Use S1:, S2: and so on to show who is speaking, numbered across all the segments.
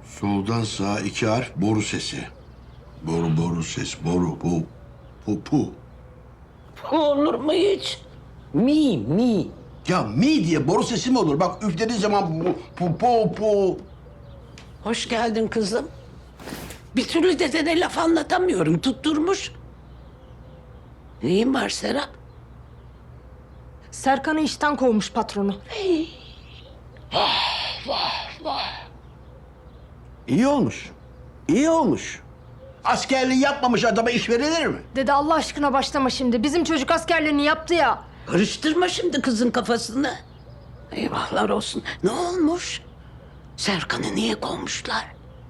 S1: Soldan sağa 2 harf boru sesi. Boru ses, boru, bu. Pu.
S2: Olur mu hiç? Mi.
S1: Ya mi diye boru sesi mi olur? Bak üflediğin zaman pu.
S2: Hoş geldin kızım. Bir türlü dedene laf anlatamıyorum. Tutturmuş. Neyin var Serap?
S3: Serkan'ı işten kovmuş patronu.
S1: İyi olmuş. İyi olmuş. Askerliği yapmamış adama iş verilir mi?
S3: Dede Allah aşkına başlama şimdi. Bizim çocuk askerliğini yaptı ya.
S2: Karıştırma şimdi kızın kafasını. Eyvahlar olsun. Ne olmuş? Serkan'ı niye kovmuşlar?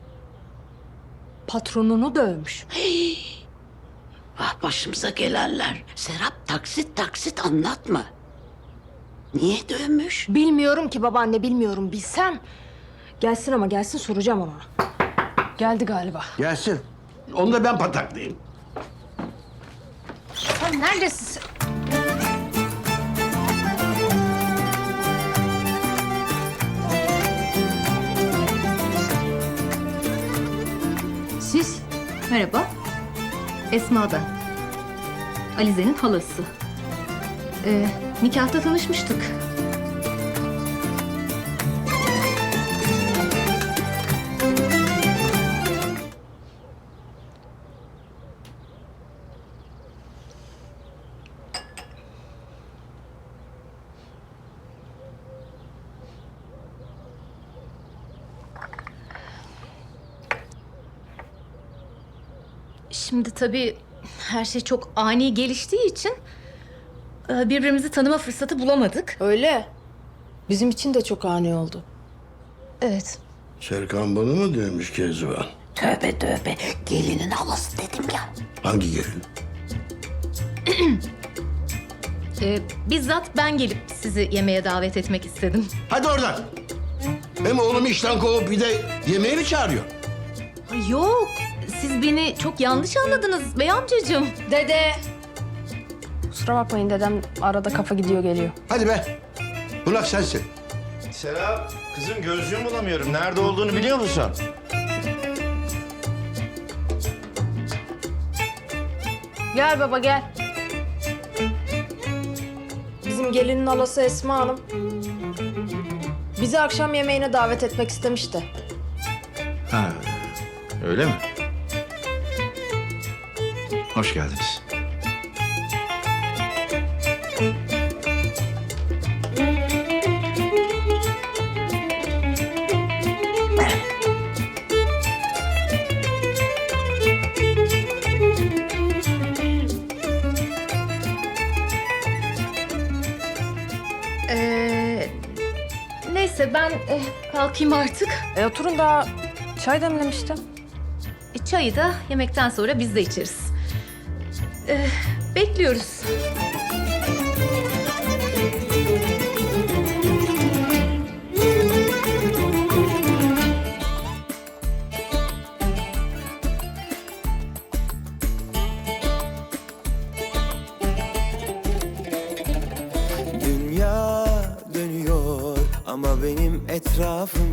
S3: Patronunu dövmüş.
S2: Ah başımıza gelenler. Serap taksit anlatma. Niye dövmüş?
S3: Bilmiyorum ki babaanne, bilmiyorum. Bilsem. Gelsin ama gelsin, soracağım ona. Geldi galiba.
S1: Gelsin. Onu da ben pataklayayım.
S3: Sen neredesin sen?
S4: Siz? Merhaba. Esma ben. Alize'nin halası. Nikahta tanışmıştık. Şimdi tabii her şey çok ani geliştiği için birbirimizi tanıma fırsatı bulamadık.
S3: Öyle. Bizim için de çok ani oldu.
S4: Evet.
S1: Serkan bana mı demiş Kezban?
S2: Tövbe. Gelinin halası dedim ya.
S1: Hangi gelin?
S4: Bizzat ben gelip sizi yemeğe davet etmek istedim.
S1: Hadi oradan. Hem oğlumu işten kovup bir de yemeğe mi çağırıyor?
S4: Ay yok. Siz beni çok yanlış anladınız bey amcacığım.
S3: Dede. Kusura bakmayın, dedem arada kafa gidiyor geliyor.
S1: Hadi be. Bunak sensin.
S5: Serap, kızım gözlüğümü bulamıyorum. Nerede olduğunu biliyor musun?
S3: Gel baba gel. Bizim gelinin halası Esma Hanım bizi akşam yemeğine davet etmek istemişti.
S5: Ha, öyle mi? Hoş geldiniz.
S4: Neyse ben kalkayım artık.
S3: Oturun, daha çay demlemiştim.
S4: Çayı da yemekten sonra biz de içeriz. Bekliyoruz.
S6: Dünya dönüyor ama benim etrafım